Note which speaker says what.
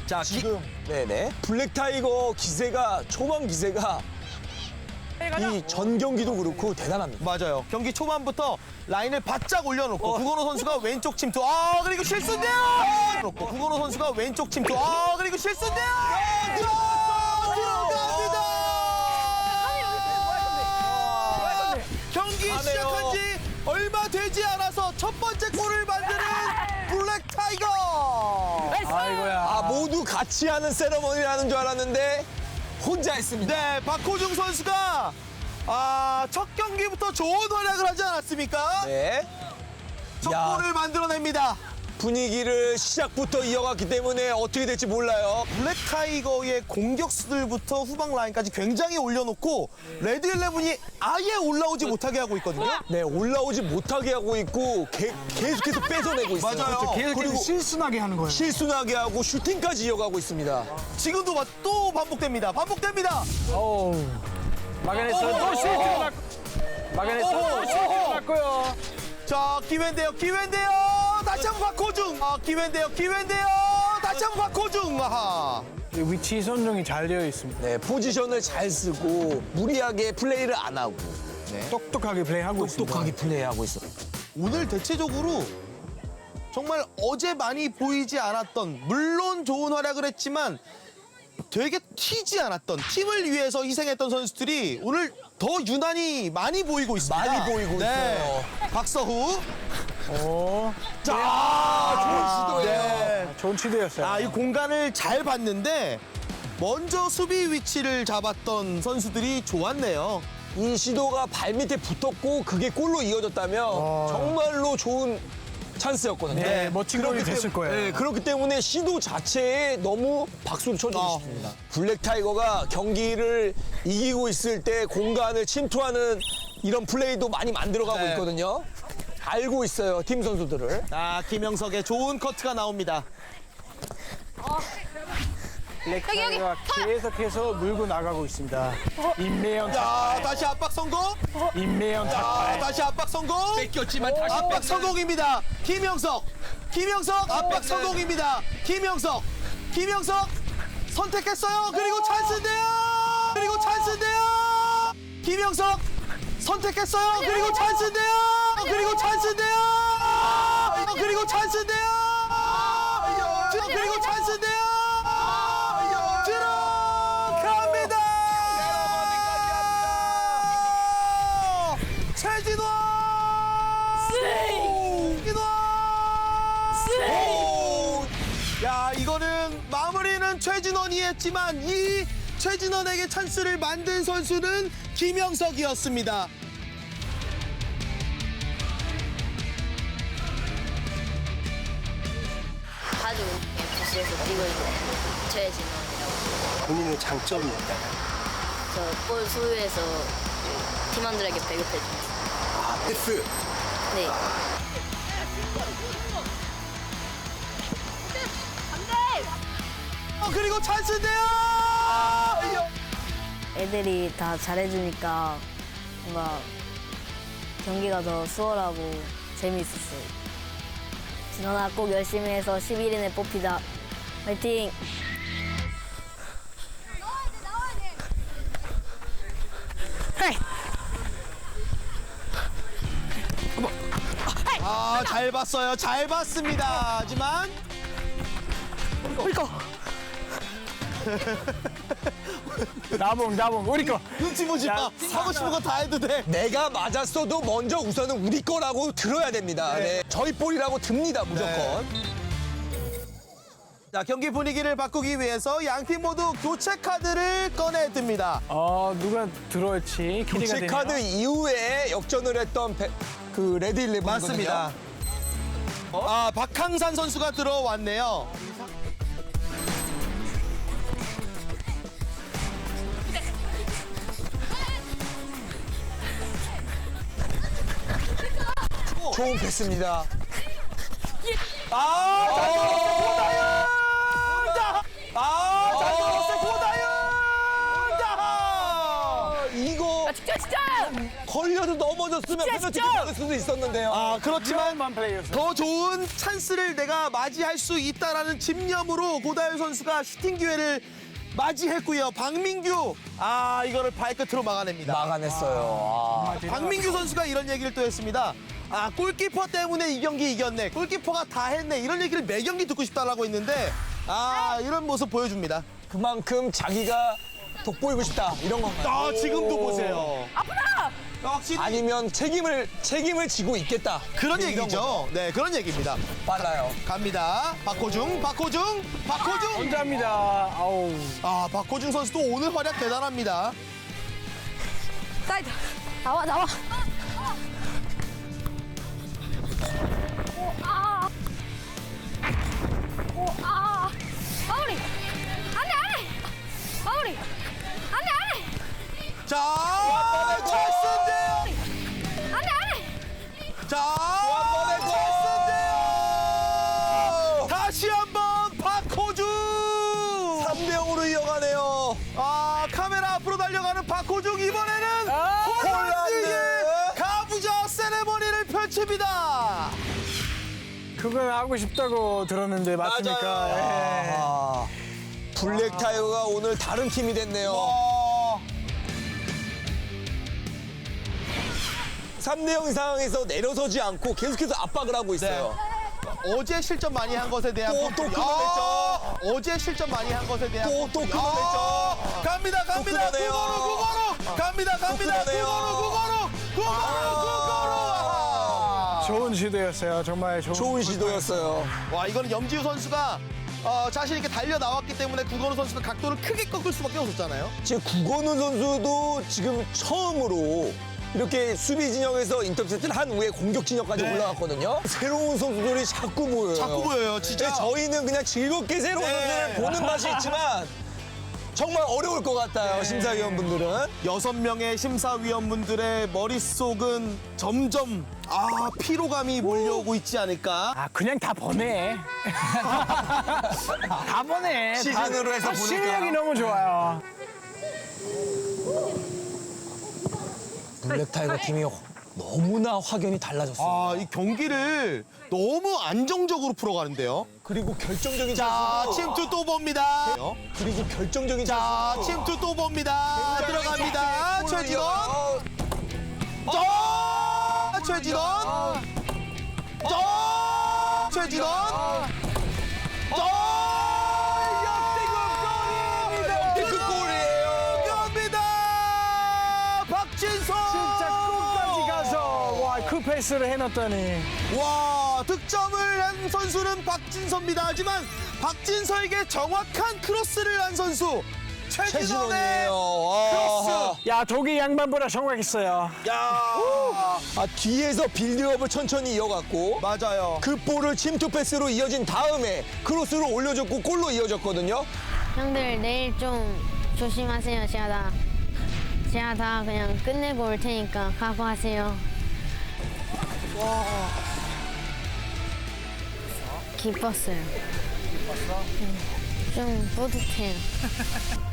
Speaker 1: 자,
Speaker 2: 지금
Speaker 3: 네네. 블랙타이거 기세가 초반 기세가 이 전 경기도 그렇고 대단합니다.
Speaker 1: 맞아요. 경기 초반부터 라인을 바짝 올려놓고 구건호 선수가 왼쪽 침투. 그리고 실수인데요. 놓고 구건호 선수가 왼쪽 침투. 그리고 실수인데요. 들어갑니다. 경기 시작한 지 얼마 되지 않아서 첫 번째 골을 만드는 블랙 타이거.
Speaker 2: 아이고야.
Speaker 3: 모두 같이 하는 세러머니라는 줄 알았는데 혼자 했습니다.
Speaker 1: 네, 박호중 선수가 첫 경기부터 좋은 활약을 하지 않았습니까?
Speaker 3: 네.
Speaker 1: 첫
Speaker 3: 야.
Speaker 1: 골을 만들어냅니다.
Speaker 3: 분위기를 시작부터 이어갔기 때문에 어떻게 될지 몰라요.
Speaker 1: 블랙 타이거의 공격수들부터 후방 라인까지 굉장히 올려놓고 레드 일레븐이 아예 올라오지 못하게 하고 있거든요.
Speaker 3: 네, 올라오지 못하게 하고 있고 계속해서 뺏어내고 있어요.
Speaker 1: 맞아요.
Speaker 2: 그리고 실순하게 하는 거예요.
Speaker 3: 실순하게 하고 슈팅까지 이어가고 있습니다.
Speaker 1: 지금도 또 반복됩니다. 반복됩니다.
Speaker 2: 어우. 막아냈어요. 또 슈팅 맞고. 막아냈어요. 또 슈팅 맞고요.
Speaker 1: 자, 기회인데요. 기회인데요. 다시 한번 박호중. 기회인데요. 기회인데요. 다시 한번 박호중. 아하.
Speaker 2: 위치 선정이 잘 되어 있습니다.
Speaker 3: 네, 포지션을 잘 쓰고 무리하게 플레이를 안 하고
Speaker 2: 똑똑하게 플레이하고 있습니다.
Speaker 3: 똑똑하게 플레이하고 있어요.
Speaker 1: 오늘 대체적으로 정말 어제 많이 보이지 않았던, 물론 좋은 활약을 했지만 되게 튀지 않았던, 팀을 위해서 희생했던 선수들이 오늘 더 유난히 많이 보이고 있습니다.
Speaker 3: 많이 보이고 있어요.
Speaker 1: 박서후.
Speaker 3: 좋은 시도예요.
Speaker 1: 네.
Speaker 2: 좋은 취도였어요.
Speaker 1: 이 공간을 잘 봤는데 먼저 수비 위치를 잡았던 선수들이 좋았네요.
Speaker 3: 이 시도가 발밑에 붙었고 그게 골로 이어졌다면 정말로 좋은 찬스였거든요.
Speaker 2: 네, 멋진 골이
Speaker 3: 그렇기
Speaker 2: 됐을 거예요.
Speaker 3: 네, 그렇기 때문에 시도 자체에 너무 박수를 쳐주고 싶습니다. 블랙 타이거가 경기를 이기고 있을 때 공간을 침투하는 이런 플레이도 많이 만들어가고
Speaker 1: 네.
Speaker 3: 있거든요. 알고 있어요, 팀 선수들을.
Speaker 1: 김영석의 좋은 커트가 나옵니다.
Speaker 2: 블랙타이거가 계속해서 물고 나가고 있습니다. 임매영
Speaker 1: 다시 압박 성공.
Speaker 2: 임매영 탁발.
Speaker 1: 다시 압박 성공.
Speaker 3: 뺏겼지만 다시
Speaker 1: 압박 성공입니다. 김영석. 김영석 압박 성공입니다. 김영석. 김영석 선택했어요. 그리고 찬스인데요. 그리고 찬스인데요. 김영석 선택했어요. 그리고 찬스인데요. 그리고 찬스인데요. 그리고 찬스인데요. 그리고 찬스인데요. 들어갑니다. 최진원. 이거는 마무리는 최진원이 했지만 이 최진원에게 찬스를 만든 선수는 김영석이었습니다.
Speaker 4: 자주 FC에서 뛰고 있는 최진원이라고.
Speaker 5: 본인의 장점이 있다.
Speaker 4: 저 골 수비에서 팀원들에게 배급해줍니다.
Speaker 5: 패스.
Speaker 4: 네.
Speaker 1: 그리고 찬스인데요.
Speaker 6: 애들이 다 잘해주니까 뭔가 경기가 더 수월하고 재미있었어요. 진원아 꼭 열심히 해서 11인에 뽑히자. 화이팅!
Speaker 1: 잘 봤어요. 잘 봤습니다. 하지만
Speaker 2: 나봉 우리 거.
Speaker 1: 눈치 보지 마. 하고 싶은 거 다 해도 돼.
Speaker 3: 내가 맞았어도 먼저 우선은 우리 거라고 들어야 됩니다. 네. 저희 볼이라고 듭니다, 무조건.
Speaker 1: 자, 경기 분위기를 바꾸기 위해서 양팀 모두 교체 카드를 꺼내듭니다.
Speaker 2: 누가 들어올지 기대가
Speaker 3: 교체
Speaker 2: 되네요.
Speaker 3: 카드 이후에 역전을 했던 그 레드 일레븐
Speaker 1: 맞습니다. 박항산 선수가 들어왔네요.
Speaker 3: 좋은 패스입니다.
Speaker 1: 잘 들어갔어요. 고다윤!
Speaker 3: 이거
Speaker 4: 진짜!
Speaker 3: 걸려도 넘어졌으면 페널티 받을 수도 있었는데요.
Speaker 1: 아, 그렇지만
Speaker 2: 위험한 플레이였어요.
Speaker 1: 더 좋은 찬스를 내가 맞이할 수 있다라는 집념으로 고다율 선수가 슈팅 기회를 맞이했고요. 박민규, 이거를 발끝으로 막아냅니다.
Speaker 3: 막아냈어요.
Speaker 1: 박민규 선수가 이런 얘기를 또 했습니다. 골키퍼 때문에 이 경기 이겼네. 골키퍼가 다 했네. 이런 얘기를 매 경기 듣고 싶다라고 했는데 이런 모습 보여줍니다.
Speaker 3: 그만큼 자기가 돋보이고 싶다 이런 건가요?
Speaker 1: 지금도 보세요.
Speaker 6: 아프다!
Speaker 1: 확실히
Speaker 3: 아니면 책임을 지고 있겠다.
Speaker 1: 그런
Speaker 3: 이런
Speaker 1: 얘기죠. 네, 그런 얘기입니다.
Speaker 3: 빨라요.
Speaker 1: 갑니다. 박호중.
Speaker 2: 혼자입니다. 아우.
Speaker 1: 박호중 선수도 오늘 활약 대단합니다.
Speaker 6: 사이드! 나와! 마무리! 안 돼! 마무리! 안 돼!
Speaker 1: 자, 찰스인데요.
Speaker 6: 안 돼!
Speaker 1: 자, 찰스인데요. 다시 한번 박호중.
Speaker 3: 3대0으로 이어가네요.
Speaker 1: 카메라 앞으로 달려가는 박호중 이번에는 홀란드의 가부좌 세레머니를 펼칩니다.
Speaker 2: 그건 하고 싶다고 들었는데 맞습니까? 예.
Speaker 3: 블랙 타이거가 오늘 다른 팀이 됐네요. 3대0 상황에서 내려서지 않고 계속해서 압박을 하고 있어요.
Speaker 1: 어제 실점 많이 한 것에 대한
Speaker 3: 또
Speaker 1: 뽀뽀.
Speaker 3: 끊어냈죠.
Speaker 1: 어제 실점 많이 한 것에 대한
Speaker 3: 또
Speaker 1: 뽀뽀.
Speaker 3: 끊어냈죠.
Speaker 1: 갑니다.
Speaker 3: 끊어내요.
Speaker 1: 구거로. 갑니다.
Speaker 3: 끊어내요.
Speaker 1: 구거로.
Speaker 2: 좋은 시도였어요. 정말
Speaker 3: 좋은 시도였어요.
Speaker 1: 와, 이거는 염지우 선수가 자신 있게 달려 나왔기 때문에 구건우 선수가 각도를 크게 꺾을 수밖에 없었잖아요.
Speaker 3: 지금 구건우 선수도 지금 처음으로 이렇게 수비 진영에서 인터셉트를 한 후에 공격 진영까지 올라갔거든요. 새로운 선수들이 자꾸 보여요.
Speaker 1: 자꾸 보여요, 진짜.
Speaker 3: 네, 저희는 그냥 즐겁게 새로운 선수들을 보는 맛이 있지만 정말 어려울 것 같아요, 심사위원분들은.
Speaker 1: 6명의 심사위원분들의 머릿속은 점점 피로감이 몰려오고 있지 않을까.
Speaker 2: 그냥 다 보내. 다 보내.
Speaker 3: 시즌으로 해서 보니까.
Speaker 2: 실력이 너무 좋아요.
Speaker 3: 블랙 타이거 팀이 너무나 확연히 달라졌어요.
Speaker 1: 이 경기를 너무 안정적으로 풀어가는데요.
Speaker 3: 그리고 결정적인
Speaker 1: 자,
Speaker 3: 찬스.
Speaker 1: 침투 또 봅니다.
Speaker 3: 그리고 결정적인
Speaker 1: 자,
Speaker 3: 찬스.
Speaker 1: 침투 또 봅니다. 들어갑니다. 최진원. 최진원. 최진원. 역대급 골이에요. 갑니다. 박진서.
Speaker 2: 진짜 끝까지 가서 그 패스를 해놨더니.
Speaker 1: 와, 득점을 한 선수는 박진서입니다. 하지만 박진서에게 정확한 크로스를 한 선수 최진원의
Speaker 3: 최진원이에요.
Speaker 1: 크로스.
Speaker 2: 야, 독일 양반보다 정확했어요.
Speaker 3: 뒤에서 빌드업을 천천히 이어갔고
Speaker 1: 맞아요.
Speaker 3: 그 볼을 침투 패스로 이어진 다음에 크로스로 올려줬고 골로 이어졌거든요.
Speaker 5: 형들 내일 좀 조심하세요. 제가 다 그냥 끝내고 올 테니까 각오하세요. 기뻤어요. 좀 뿌듯해요.